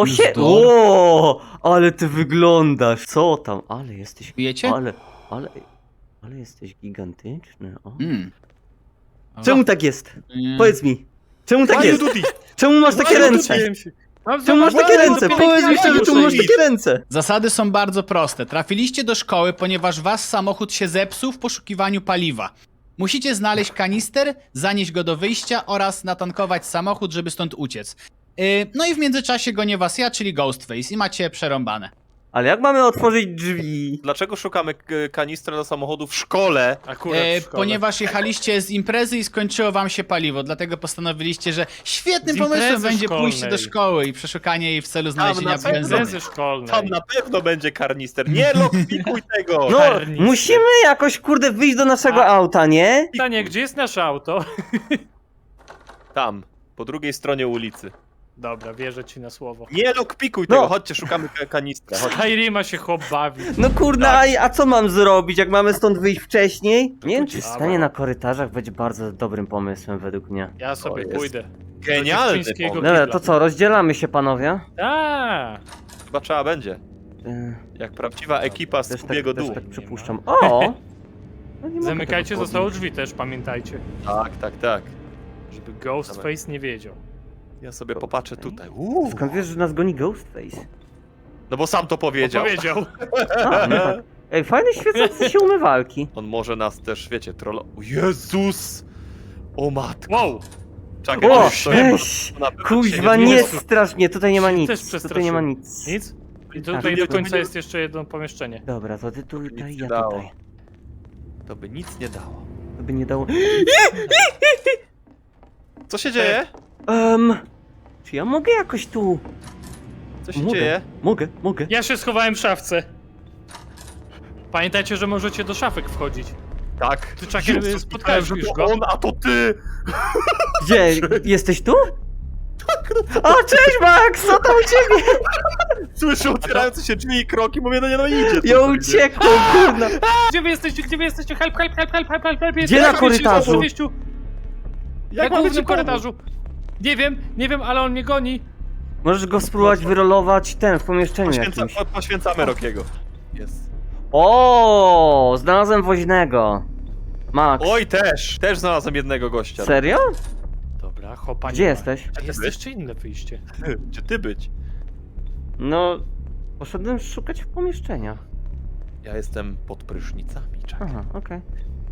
O, ale ty wyglądasz. Co tam? Ale jesteś... Wiecie? Ale jesteś gigantyczny. O. Czemu tak jest? Powiedz mi. Czemu tak jest? Czemu masz takie Ładnie ręce? dotknąłem się. Czemu masz takie ręce? Powiedz mi szczerze, czemu masz takie ręce? Zasady są bardzo proste. Trafiliście do szkoły, ponieważ wasz samochód się zepsuł w poszukiwaniu paliwa. Musicie znaleźć kanister, zanieść go do wyjścia oraz natankować samochód, żeby stąd uciec. No i w międzyczasie gonię was ja, czyli Ghostface i macie przerąbane. Ale jak mamy otworzyć drzwi? Dlaczego szukamy kanistra do samochodu w szkole? Akurat w szkole. Ponieważ jechaliście z imprezy i skończyło wam się paliwo, dlatego postanowiliście, że świetnym Z pomysłem imprezy będzie szkolnej. pójście do szkoły i przeszukanie jej w celu znalezienia pewno. benzyny. Imprezy szkolnej. Tam na pewno będzie karnister. Nie lokwikuj tego! No, Karnister. musimy jakoś, kurde, wyjść do naszego A- auta, nie? Pytanie, gdzie jest nasze auto? Tam, po drugiej stronie ulicy. Dobra, wierzę ci na słowo. Nie lokwikuj No. tego, chodźcie, szukamy kanistra. Chodź. Skyrima się chłop bawi. No kurde, Tak. a co mam zrobić, jak mamy stąd wyjść wcześniej? Nie wiem, czy Dobra. stanie na korytarzach będzie bardzo dobrym pomysłem według mnie. Ja sobie jest pójdę. Genialny dziewczyńskiego pomysł. Dobra, kibla. to co, rozdzielamy się, panowie? A, Chyba trzeba będzie. Jak prawdziwa ekipa z Też Kubiego też dół. tak przypuszczam. O! No nie mogę zamykajcie tego zostało podnieść. drzwi też, pamiętajcie. Tak. Żeby Ghostface nie wiedział. Ja sobie popatrzę tutaj. Skąd wiesz, że nas goni Ghostface? No bo sam to powiedział. Powiedział. A, no tak. Ej, fajne świecące się umywalki. On może nas też, wiecie, trollo... O Jezus! O matko! Wow! Czekaj, O, to się- weź! to na pewno Kuźwa, się nie Jezu. strasznie, tutaj nie ma Też nic. przestraszyłem. Tutaj nie ma nic. Nic? I Tak. tutaj do końca jest jeszcze jedno pomieszczenie. Dobra, to ty tutaj, Nic ja nie dało. tutaj. To by nic nie dało. To by nie dało... Co się dzieje? Czy ja mogę jakoś tu... Co się dzieje? Mogę. Ja się schowałem w szafce. Pamiętajcie, że możecie do szafek wchodzić. Tak. Ty, Chucker, Jezus, spotkałeś myślałem, że już to go? on, a to ty! Gdzie? Jesteś tu? O, cześć Max, co tam u ciebie? Słyszę otwierające się drzwi i kroki, mówię, no idzie. Ja uciekłem, kurna. Gdzie wy jesteście? Gdzie wy jesteście? Help! Gdzie na korytarzu? Na Jak mamy głównym ci korytarzu. Nie wiem, ale on mnie goni. Możesz go spróbować wyrolować w pomieszczeniu jakimś. Poświęcamy Rokiego. Jest. O, znalazłem woźnego. Max. Oj, też znalazłem jednego gościa. Serio? Dobra, chopa. Gdzie jesteś? A jest jeszcze inne wyjście. Gdzie ty być? No, poszedłem szukać w pomieszczeniach. Ja jestem pod prysznicami, czekaj. Aha, okej.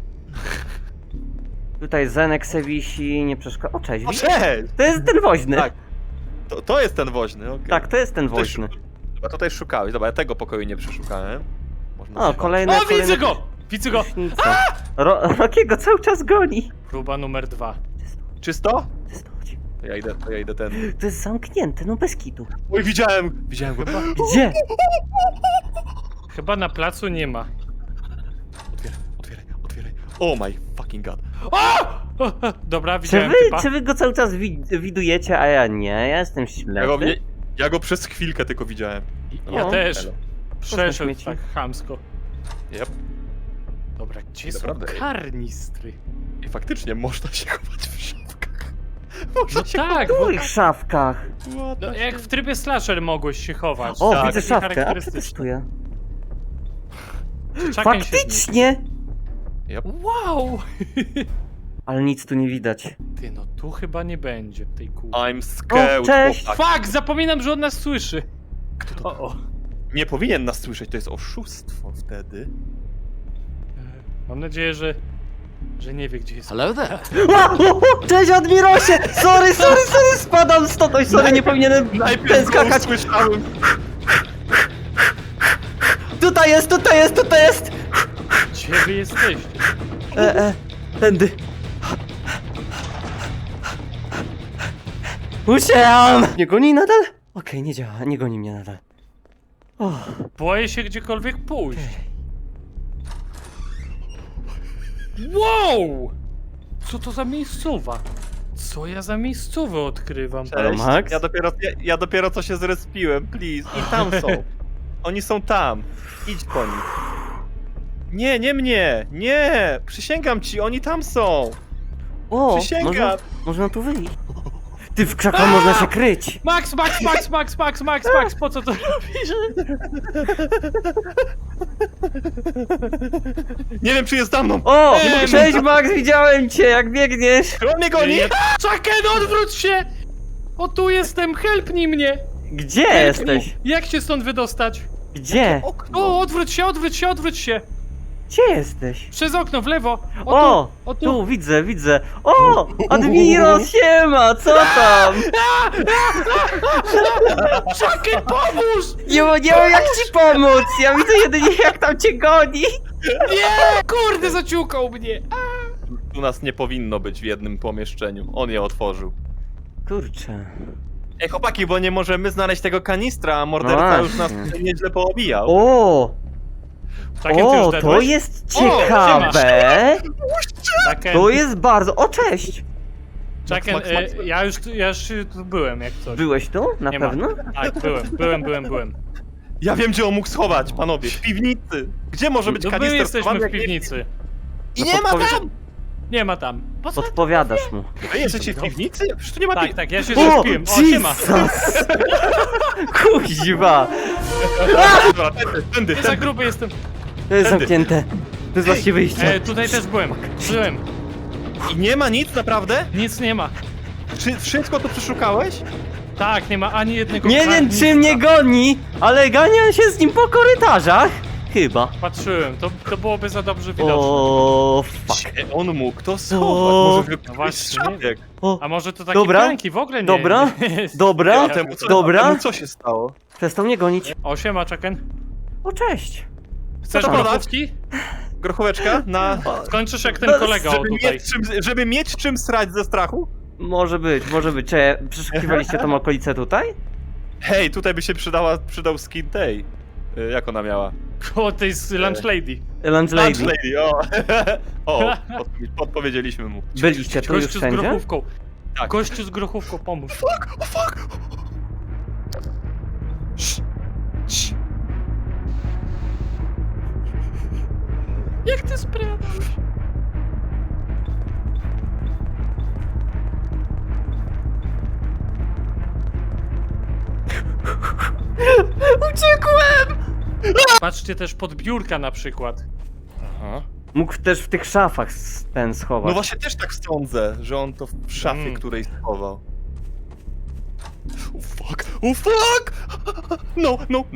Tutaj Zenek se wisi, nie przeszkadza. O, cześć, O, widzisz? cześć! To jest ten woźny. Tak. To jest ten woźny, okej. Tak, to jest ten Tutaj woźny. Chyba tutaj szukałeś, dobra, ja tego pokoju nie przeszukałem. Można O, się- kolejne. O, widzę go! Widzę go! prysznica. Rokiego cały czas goni. Próba numer 2. Czysto? Chodź. To ja idę ten. To jest zamknięte, no bez kitu. Oj, widziałem go. Gdzie? Chyba na placu nie ma. Otwieraj. Oh my fucking god. Dobra, Czy widziałem wy, typa. czy wy go cały czas widujecie, a ja nie? Ja jestem ślepy. Ja go przez chwilkę tylko widziałem. Ja O. też. Elo. Przeszedł śmieci. tak chamsko. Yep. Dobra, gdzie są Naprawdę. karnistry? I faktycznie można się chować w szafkach. No tak, W bo, których szafkach? no, jak w trybie slasher mogłeś się chować. O, tak, widzę taki szafkę, a charakterystyczny. przetestuję. Chucken się Faktycznie! Wow! Ale nic tu nie widać. Ty, no tu chyba nie będzie tej kółki. I'm scared. O, cześć. chłopak. Fuck, zapominam, że on nas słyszy. O. Nie powinien nas słyszeć, to jest oszustwo wtedy. Mam nadzieję, że nie wie, gdzie jest. Hello there. Cześć Admirosie! Sorry, spadam stąd! Oj, sorry, nie powinienem ten skakać. słyszałem. Tutaj jest! Gdzie wy jesteście? Tędy. Uciekam! Nie goni nadal? Okej, nie działa, nie goni mnie nadal. O, Boję się gdziekolwiek pójść. Wow! Co to za miejscowa? Co ja za miejscowe odkrywam? Halo, Max? Ja dopiero co się zrespiłem, please. I tam są. Oni są tam. Idź po nich. Nie mnie! Nie! Przysięgam ci, oni tam są! o Przysięgam! można tu wyjść. Ty, w krzaku można się kryć. Max, po co to robisz? Nie wiem, czy jest za mną. O! Cześć Max, widziałem cię, jak biegniesz. Czy on mnie goni? Chucken, odwróć się! O, tu jestem, helpnij mnie! Gdzie Help jesteś? me. Jak się stąd wydostać? Gdzie? O, odwróć się! Gdzie jesteś? Przez okno, w lewo! O! O, Tu, widzę. O! Admiro, siema, co tam? Chucken, pomóż! Nie wiem jak ci pomóc, ja widzę jedynie jak tam cię goni. Nie! Kurde, zaciukał mnie! Tu nas nie powinno być w jednym pomieszczeniu. On je otworzył. Kurczę. Ej, chłopaki, bo nie możemy znaleźć tego kanistra, a morderca No już nas właśnie. tutaj nieźle poobijał. O! Chucken, ty już O, to dedłeś? jest siema. ciekawe. Chucken, To jest bardzo... O, cześć! Chucken, Max. ja już tu byłem, jak coś. Byłeś tu? Na Nie ma. pewno? Tak, byłem. Ja wiem, gdzie on mógł schować, panowie. W piwnicy. Gdzie może być No my kanister jesteśmy schowany, w jak nie- piwnicy. I nie ma tam! Nie ma tam. Po co? Podpowiadasz mu. Wy jesteście w piwnicy? Przecież tu nie ma Tak, pi... tak, ja się O, zespiłem. O, siema. Jesus! Kuźwa! Dobra, tędy. Za gruby jestem. To jest zamknięte. To jest właściwie wyjście. Tutaj też byłem. I nie ma nic, naprawdę? Nic nie ma. Czy wszystko tu przeszukałeś? Tak, nie ma ani jednego Nie wiem karnictwa. czy mnie goni, ale ganiam się z nim po korytarzach. Chyba. Patrzyłem, to byłoby za dobrze widoczne. O, fuck. Gdzie on mógł to schować? O, Może no no właśnie, nie szafek? O, A może to takie Dobra. pranki w ogóle nie? Dobra. nie- dobra, nie- Temu co, dobra. temu co się stało? Przestał mnie gonić. O, siema, Chucken. O, cześć. Chcesz Co to grochówki? Grochóweczka na... Skończysz jak ten No, kolega o Żeby tutaj. mieć, żeby mieć czym srać ze strachu? Może być. Czy przeszukiwaliście tą okolicę tutaj? Hej, tutaj by się przydał skin tej. Jak ona miała? O, tej z Lunch Lady. Lunch Lunch Lady. Lady, o! O, podpowiedzieliśmy mu. Byliście tu już Gościu z wszędzie? grochówką. Tak. Gościu z grochówką, pomóż. Fuck! Cii. Jak ty sprawdzasz? Uciekłem! Patrzcie też pod biurka na przykład. Aha. Mógł też w tych szafach ten schować. No właśnie też tak sądzę, że on to w szafie, której schował. Oh fuck! No!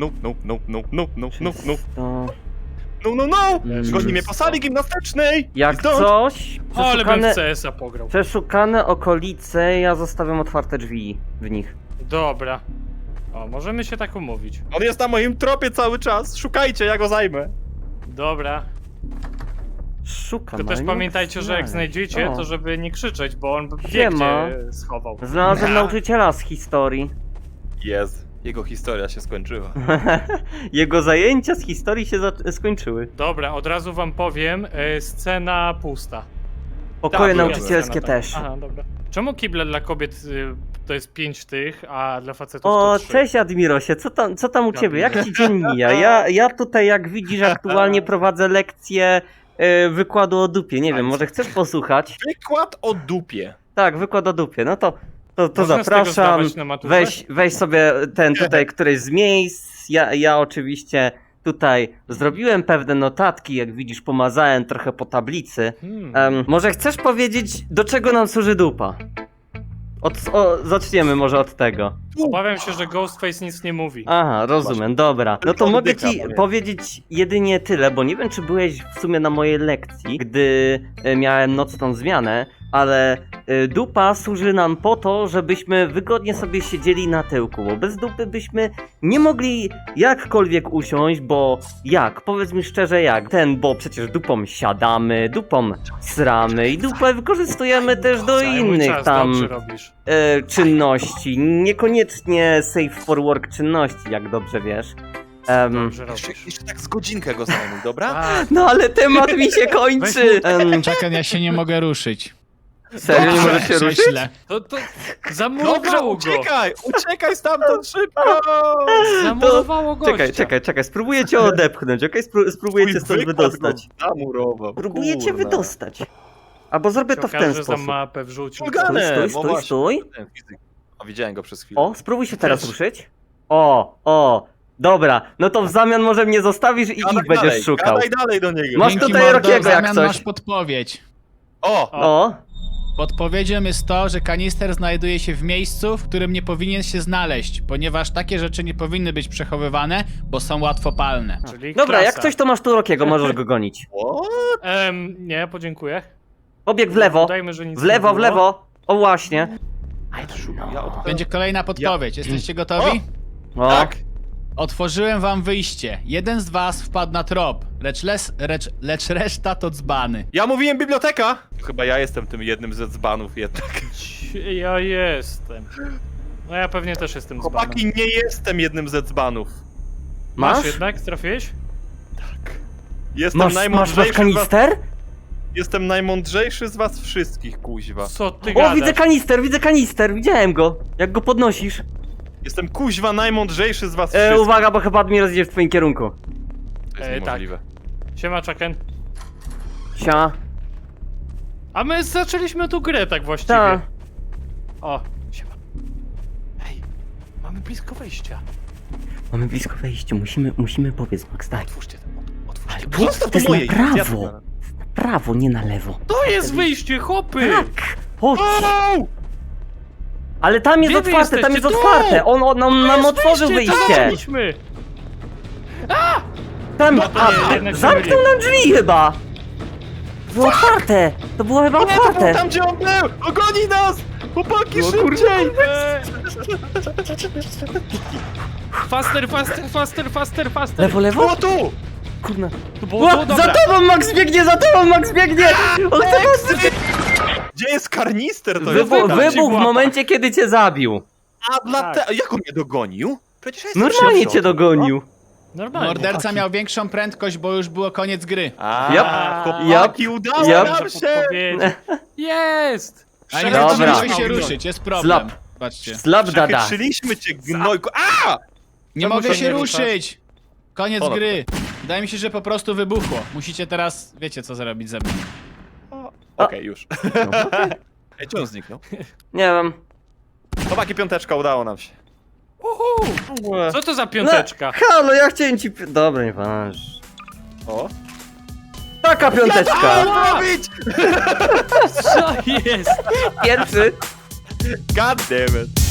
Zgodnie mnie po sali gimnastycznej! Jak Stąd. coś, Ale bym w przeszukane, CS-a pograł. przeszukane okolice, ja zostawiam otwarte drzwi w nich. Dobra. O, możemy się tak umówić. On jest na moim tropie cały czas, szukajcie, ja go zajmę. Dobra. Szukam, To ale też nie pamiętajcie, że jak znaleźć. znajdziecie, O. to żeby nie krzyczeć, bo on wie Siema. gdzie schował. Znalazłem nauczyciela z historii. Jest. Jego historia się skończyła. Jego zajęcia z historii się skończyły. Dobra, od razu wam powiem, scena pusta. Pokoje Tak, nauczycielskie Scena, tak. też. Aha, dobra. Czemu kible dla kobiet to jest 5 tych, a dla facetów O, to 3? cześć Admirosie, co tam u ciebie? Jak ci dzień mija? Ja tutaj, jak widzisz, aktualnie prowadzę lekcję wykładu o dupie. Nie wiem, może chcesz posłuchać? Wykład o dupie. Tak, wykład o dupie. No to Można z tego zapraszam. zdawać na maturze? Weź sobie ten tutaj któryś z miejsc. Ja oczywiście tutaj zrobiłem pewne notatki, jak widzisz, pomazałem trochę po tablicy. Może chcesz powiedzieć, do czego nam służy dupa? Zaczniemy może od tego. Obawiam się, że Ghostface nic nie mówi. Aha, rozumiem, dobra. No to Tylko mogę oddycha, ci powiem. powiedzieć jedynie tyle, bo nie wiem, czy byłeś w sumie na mojej lekcji, gdy miałem nocną zmianę, ale dupa służy nam po to, żebyśmy wygodnie sobie siedzieli na tyłku, bo bez dupy byśmy nie mogli jakkolwiek usiąść, bo jak? Powiedz mi szczerze jak? Bo przecież dupą siadamy, dupą sramy i dupę wykorzystujemy też do Cały mój innych czas, tam dobrze robisz. czynności, niekoniecznie safe for work czynności, jak dobrze wiesz. Dobrze robisz. Jeszcze tak z godzinkę go zajmuj, dobra? A, No ale temat mi się kończy! Czekaj, ja się nie mogę ruszyć. Serio, nie możesz się ruszyć? Prześlę. to Dobrze, zamurowało go. uciekaj stamtąd szybko! Zamurowało gościa. Czekaj, spróbuję cię odepchnąć, okej? Spróbuję cię stąd wydostać. Zamurował. Próbuję cię wydostać. Albo zrobię to w ten Okaże za sposób. mapę wrzucił. Ulgane. Stój. A widziałem go przez chwilę. O, spróbuj się teraz ruszyć. O, dobra. No to w zamian może mnie zostawisz i ich będziesz szukał. Gadaj dalej do niego. Masz Dzięki, tutaj mordo, Rockiego, w jak zamian coś. masz podpowiedź. O, Podpowiedzią jest to, że kanister znajduje się w miejscu, w którym nie powinien się znaleźć, ponieważ takie rzeczy nie powinny być przechowywane, bo są łatwopalne. Czyli dobra, klasa. jak coś to masz tu Rockiego, możesz go gonić. Nie, podziękuję. Pobieg w lewo, Dajmy, że nic w lewo, nie w było. lewo. O właśnie. Będzie kolejna podpowiedź. Jesteście gotowi? O, Tak. Otworzyłem wam wyjście. Jeden z was wpadł na trop, lecz reszta to dzbany. Ja mówiłem biblioteka! Chyba ja jestem tym jednym ze dzbanów jednak. Ja jestem. No ja pewnie też jestem dzbanem. Chłopaki, nie jestem jednym ze dzbanów. masz? jednak? Trafiłeś? Jestem Masz najmądrzejszy z was. kanister? Jestem najmądrzejszy z was wszystkich, kuźwa. Co ty O, gadasz? widzę kanister, widziałem go. Jak go podnosisz. Jestem kuźwa najmądrzejszy z was wszystkich. Uwaga, bo chyba Admiros idzie w twoim kierunku. To jest tak. niemożliwe. Siema, Chucken. Sia. A my zaczęliśmy tu grę tak właściwie. Ta. O, siema. Hej, mamy blisko wejścia. Mamy blisko wejście, musimy powiedz, Max, daj. Otwórzcie to, otwórzcie. Ale to. to Zostaw to jest moje, na prawo. ja to- Na prawo, nie na lewo. To jest wyjście, chłopy! Tak, chodź. Au! Ale tam jest Gdzie wy otwarte, tam jest jesteście? Tu! otwarte. On nam otworzył To wyjście. zaczęliśmy! Tam, No to nie, jednak się zamknął myliłem. nam drzwi chyba. Było otwarte. To było chyba Nie, to był otwarte. tam, gdzie on był! Ogoni nas! Chłopaki, O kurde. szybciej! Faster! Lewo, lewo? Było tu! Kurna. To było Ła, to, dobra. za tobą Max biegnie, za tobą Max biegnie. On chce nas... Gdzie jest karnister? To jest Wybuchł w momencie, kiedy cię zabił. A dlatego... Jak on mnie dogonił? Przecież ja jestem Normalnie szybszy cię od niego. dogonił. Normalnie. Morderca miał większą prędkość, bo już było koniec gry. A, Yep. chłopaki, udało Yep. nam się! Jest! A nie Dobra. możemy się ruszyć, jest problem. Slap. Patrzcie. Slap dada. Przechytrzyliśmy cię, gnojku. A! Nie Czemu mogę się się nie ruszasz? ruszyć! Koniec Ponad. gry. Wydaje mi się, że po prostu wybuchło. Musicie teraz, wiecie co zrobić ze mną. Okej, już. Ej, czy on zniknął? Nie wiem. Chłopaki, piąteczka, udało nam się. Co to za piąteczka? Halo, ja chciałem ci... Dobra, nie waż. O. Taka piąteczka. robić! Co jest? Pierwszy. God damn it.